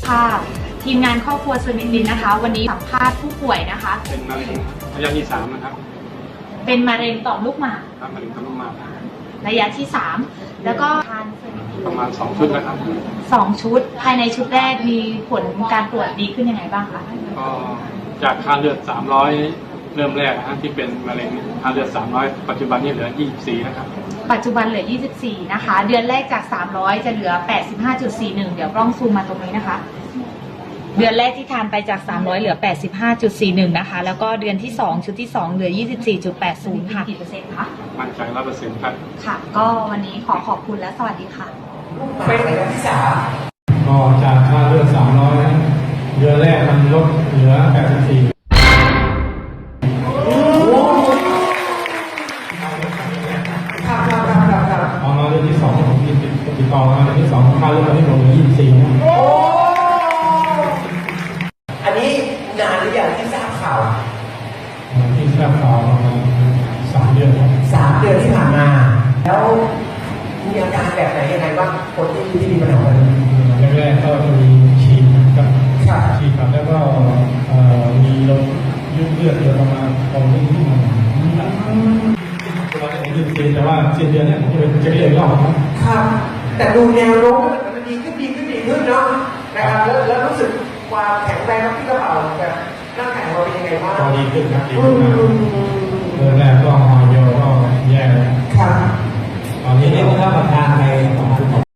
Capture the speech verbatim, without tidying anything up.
ค่ะทีมงานครอบครัวสมิตินนะคะวันนี้สัมภาษณ์ผู้ป่วยนะคะเป็นมะเร็งระยะที่สามนะครับเป็นมะเร็งต่อมลูกหมากครับมะเร็งต่อมลูกหมากระยะที่สามแล้วก็ทานเซมิตินประมาณสองชุดนะครับสองชุดภายในชุดแรกมีผลการตรวจดีขึ้นยังไงบ้างคะก็จากค่าเลือดสามร้อยเริ่มแรกนะที่เป็นมะเร็งค่าเลือดสามร้อยปัจจุบันนี้เหลือยี่สิบสี่นะครับปัจจุบันเหลือยี่สิบสี่นะคะเดือนแรกจากสามร้อยจะเหลือ แปดสิบห้าจุดสี่หนึ่ง เดี๋ยวกล้องซูมมาตรงนี้นะคะเดือนแรกที่ทานไปจากสามร้อยเหลือ แปดสิบห้าจุดสี่หนึ่ง นะคะแล้วก็เดือนที่สองชุดที่สองเหลือ ยี่สิบสี่จุดแปดศูนย์ ค่ะกี่เปอร์เซ็นต์คะมั่นใจ ร้อยเปอร์เซ็นต์ ครับค่ะก็วันนี้ขอขอบคุณและสวัสดีค่ะเป็นระยะที่สามก็จากค่าเลือดสามร้อยเดือนแรกมันลดเหลือแปดสิบสี่พอมาเดือนที่สองผมติดติดต่อมาเดือนที่สองค่าเลือดตอนนี้ลงเหลือยี่สิบสี่นะอันนี้นานหรือยังที่ทราบข่าวที่ทราบข่าวประมาณสามเดือนสามเดือนที่ผ่านมาแล้วมีอาการแบบไหนยังไงบ้างคนที่ที่มีปัญหาแรกๆก็จะมีฉีดกับฉีดกับแล้วก็มีลมยืดเลือดประมาณตรงนี้ที่มันตัวนี้ยืดเส้นแต่ว่าเส้นเดือนเนี่ยจะเป็นจะเรียกรอบครับแต่ดูแนวโน้มมันดีขึ้นดีขึ้นดีขึ้นเนาะนะครับแล้วแล้วรู้สึกความแข็งแรงที่กระเป๋าแบบร่างกายเราเป็นยังไงบ้างก็ดีขึ้นครับดีขึ้นนะเดือนแรกก็หอยโยก็แย่แล้วครับตอนนี้เนี่ยถ้าประทานไป